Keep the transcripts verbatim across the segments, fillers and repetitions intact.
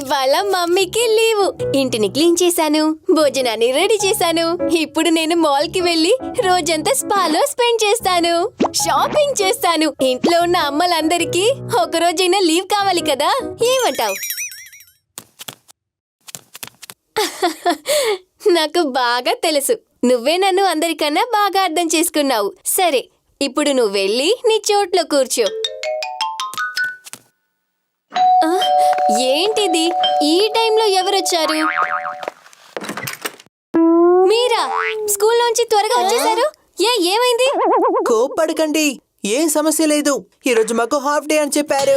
ఇవాళ మమ్మీకి లీవు. ఇంటిని క్లీన్ చేశాను, భోజనాన్ని రెడీ చేశాను. ఇప్పుడు నేను మాల్ కి వెళ్లి రోజంతా స్పాలో స్పెండ్ చేస్తాను, షాపింగ్ చేస్తాను. ఇంట్లో ఉన్న అమ్మలందరికీ ఒక రోజైనా లీవ్ కావాలి కదా, ఏమంటావు? నాకు బాగా తెలుసు, నువ్వే నన్ను అందరికన్నా బాగా అర్థం చేసుకున్నావు. సరే, ఇప్పుడు నువ్వు వెళ్ళి నీ చోట్లో కూర్చో. ఏంటిది, ఈ టైంలో ఎవరొచ్చారు? మీరా? స్కూల్ నుంచి త్వరగా వచ్చేసారు. ఏ ఏమైంది? కోప్పడకండి, ఏం సమస్య లేదు. ఈరోజు మాకు హాఫ్ డే అని చెప్పారు.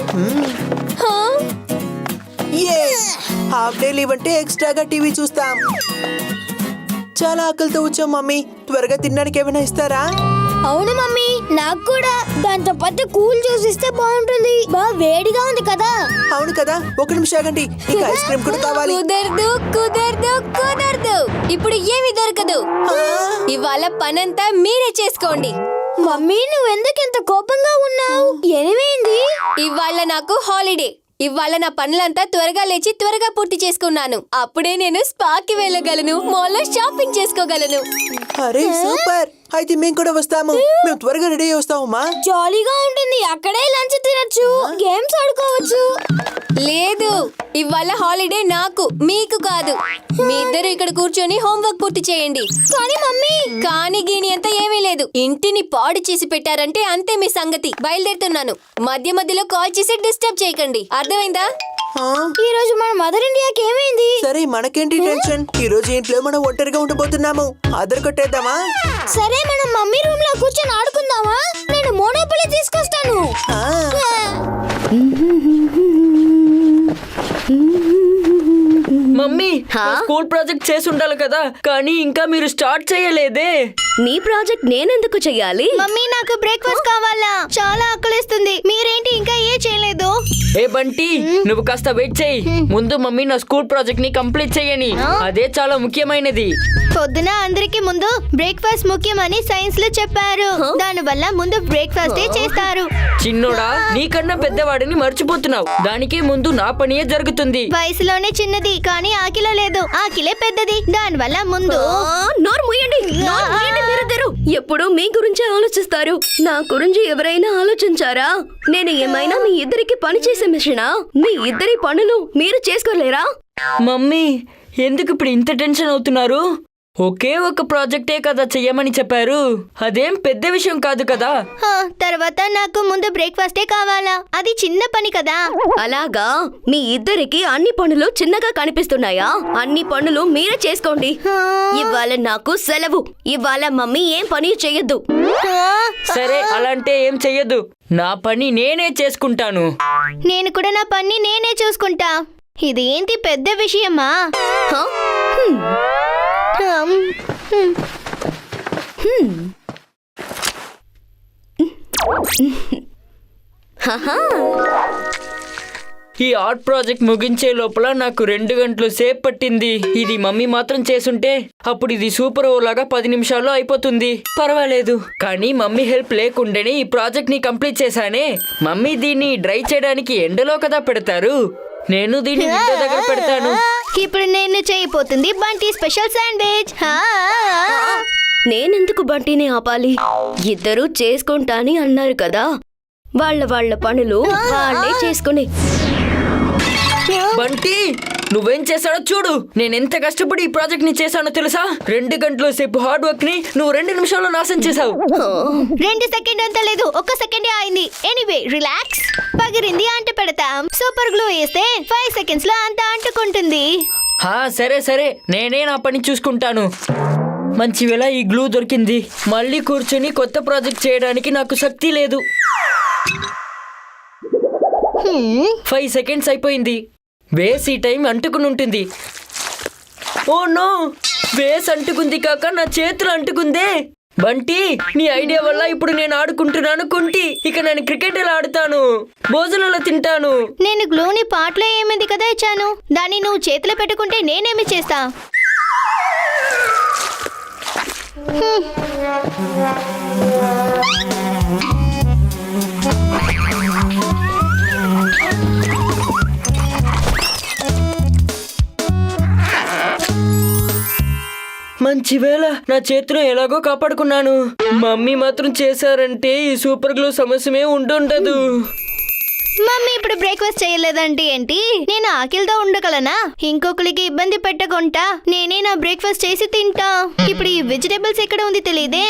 హాఫ్ డే లీవ్ అంటే ఎక్స్ట్రాగా టీవీ చూస్తాం. చాలా ఆకలితో వచ్చాం మమ్మీ, త్వరగా తినడానికి ఏమైనా ఇస్తారా? అవును మమ్మీ, నాకు కూడా దాంతో పాటు కూల్ జ్యూస్ ఇస్తే బాగుంటుంది. బాగా వేడిగా ఉంది కదా. అవును కదా, ఒక నిమిషం ఆగండి, ఇంకా ఐస్ క్రీమ్ కూడా కావాలి. కుదరదు కుదరదు కుదరదు, ఇప్పుడు ఏమి దొరకదు. ఇవాళ పనంతా మీరే చేసుకోండి. మమ్మీ, నువ్వెందుకు ఇంత కోపంగా ఉన్నావు? ఏమైంది? ఇవాళ నాకు హాలిడే. ఇవాళ నా పనులంతా త్వరగా లేచి త్వరగా పూర్తి చేసుకున్నాను. అప్పుడే నేను స్పాకి వెళ్ళగలను, మాల్లో షాపింగ్ చేసుకోగలను. అరే సూపర్, అయితే మేము కూడా వస్తాము. మేము త్వరగా రెడీ అయ్యి వస్తామమ్మా. జాలీగా ఉంటుంది, అక్కడే లంచ్ తినొచ్చు, గేమ్స్ ఆడుకోవచ్చు. లేదు, ఇవాళ హాలిడే నాకు, మీకు కాదు. మీ ఇద్దరు ఇక్కడ కూర్చొని హోంవర్క్ పూర్తి చేయండి. కానీ మమ్మీ, కానీ గీని అంతా ఏమీ లేదు. ఇంటిని పాడు చేసి పెట్టారంటే అంతే మీ సంగతి. బయలుదేరుతున్నాను. మధ్య మధ్యలో కాల్ చేసి డిస్టర్బ్ చేయకండి, అర్థమైందా? ఈ రోజు మన మదర్ ఇండియాకి ఏమైంది? సరే, మనకేంటి టెన్షన్. ఈ రోజు ఇంట్లో మనం ఒంటరిగా ఉండబోతున్నాము. అదర్ కొట్టేద్దామా? సరే, మనం మమ్మీ రూమ్ లో కూర్చొని ఆడుకుందామా? నేను మోనోపొలీ తీసుకొస్తాను. మమ్మీ, స్కూల్ ప్రాజెక్ట్ చేసి ఉండాలి కదా, కానీ ఇంకా మీరు స్టార్ట్ చేయలేదే. నీ ప్రాజెక్ట్ నేనెందుకు చెయ్యాలి? మమ్మీ, నాకు బ్రేక్ఫాస్ట్ కావాలా, చాలా ఆకలిస్తుంది. మీరేంటి ఇంకా ఏ చేయలేదు? ఏ బంటి, నువ్వు కాస్త వెయిట్ చేయి. ముందు మమ్మీ నా స్కూల్ ప్రాజెక్ట్ ని కంప్లీట్ చేయని, అదే చాలా ముఖ్యమైనది. పొద్దున అందరికి ముందు బ్రేక్ఫాస్ట్ ముఖ్యమని సైన్స్ లో చెప్పారు. దాని వల్ల ముందు బ్రేక్ఫాస్ట్ చేస్తారు. చిన్నోడా, నీకన్నా పెద్దవాడిని మర్చిపోతున్నావు. దానికే ముందు నా పనియే జరుగుతుంది. వయసులోనే చిన్నది, కానీ ఆకిలో లేదు. ఆకిలే పెద్దది, దాని వల్ల ముందు. నోరు మూయండి, నోరు మూయండి మీరిద్దరు. ఎప్పుడు మీ గురించే ఆలోచిస్తారు, నా గురించి ఎవరైనా ఆలోచించారా? నేను ఏమైనా మీ ఇద్దరికి పని చేసే మిషనా? మీ ఇద్దరి పనులు మీరు చేసుకోలేరా? మమ్మీ, ఎందుకు ఇప్పుడు ఇంత టెన్షన్ అవుతున్నారు? ఒకే ఒక ప్రాజెక్టే కదా చెయ్యమని చెప్పారు, అదేం పెద్ద విషయం కాదు కదా. తర్వాత నాకు ముందు బ్రేక్ఫాస్టే కావాలా, అది చిన్న పని కదా. అలాగా, మీ ఇద్దరికి అన్ని పనులు చిన్నగా కనిపిస్తున్నాయా? అన్ని పనులు మీరే చేసుకోండి. ఇవాళ నాకు సెలవు. ఇవాళ మమ్మీ ఏం పని చెయ్యొద్దు. సరే, అలాంటే ఏం చెయ్యదు. నా పని నేనే చేసుకుంటాను. నేను కూడా నా పని నేనే చూసుకుంటా. ఇదేంటి పెద్ద విషయమా? ఈ ఆర్ట్ ప్రాజెక్ట్ ముగించే లోపల నాకు రెండు గంటలు సేపు పట్టింది. ఇది మమ్మీ మాత్రం చేసుంటే అప్పుడు ఇది సూపర్ ఓ లాగా పది నిమిషాల్లో అయిపోతుంది. పర్వాలేదు, కానీ మమ్మీ హెల్ప్ లేకుండానే ఈ ప్రాజెక్ట్ ని కంప్లీట్ చేశానే. మమ్మీ దీన్ని డ్రై చేయడానికి ఎండలో కదా పెడతారు, నేను దీన్ని ఇంటి దగ్గర పెడతాను. ఇప్పుడు నేను చేయబోతుంది బంటి స్పెషల్ శాండ్విచ్. నేనెందుకు బంటిని ఆపాలి? ఇద్దరు చేసుకుంటాని అన్నారు కదా, వాళ్ళ వాళ్ళ పనులు వాళ్ళే చేసుకుని. బంటి, నువ్వేం చేశాడో చూడు. నేనెంత కష్టపడి ఈ ప్రాజెక్ట్ ని చేశానో తెలుసా? రెండు గంటల సేపు హార్డ్ వర్క్ ని నువ్వు రెండు నిమిషాల్లో నాశనం చేశావు. రెండు సెకండ్ అంత లేదు, ఒక్క సెకండే అయింది. Anyway, relax. పగిరింది అంట పెడతాం, సూపర్ గ్లూ వేస్తే ఫైవ్ సెకండ్స్ లో అంత అంటుకుంటుంది. హా, సరే సరే, నేనే నా పని చూసుకుంటాను. మంచి వేళ ఈ గ్లూ దొరికింది. మళ్ళీ కూర్చొని కొత్త ప్రాజెక్ట్ చేయడానికి నాకు శక్తి లేదు. ఫైవ్ సెకండ్స్ అయిపోయింది. వేస్ ఈ టైం అంటుకుని ఉంటుంది. ఓ నో, వేస్ అంటుకుంది కాక నా చేతులు అంటుకుందే. బంటి, నీ ఐడియా వల్ల ఇప్పుడు నేను ఆడుకుంటున్నాను కుంటి. ఇక నేను క్రికెట్ ఎలా ఆడుతాను, భోజనంలో తింటాను. నేను గ్లూని పాటలో ఏమింది కదా ఇచ్చాను, దాన్ని నువ్వు చేతిలో పెట్టుకుంటే నేనేమి చేస్తా? మంచి వేళ నా చేతిలో ఎలాగో కాపాడుకున్నాను. మమ్మీ మాత్రం చేశారంటే ఈ సూపర్ గ్లూ సమస్యమే ఉండుండదు. మమ్మీ ఇప్పుడు బ్రేక్ఫాస్ట్ చేయలేదంటే ఏంటి? నేను ఆకలితో ఉండగలనా? ఇంకొకరికి ఇబ్బంది పెట్టకుండా నేనే నా బ్రేక్ఫాస్ట్ చేసి తింటా. ఇప్పుడు ఈ వెజిటేబుల్స్ ఎక్కడ ఉంది తెలియదే.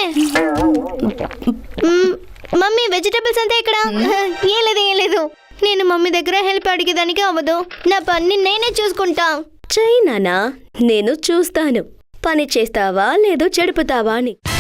మ్మ్, మమ్మీ వెజిటేబుల్స్ అంతా ఎక్కడ? ఏం లేదు ఏం లేదు నేను మమ్మీ దగ్గర హెల్ప్ అడిగేదానికి అవ్వదు. నా పని నేనే చూసుకుంటా. చెయ్యి నానా, నేను చూస్తాను పని చేస్తావా లేదో చెడుపుతావా అని.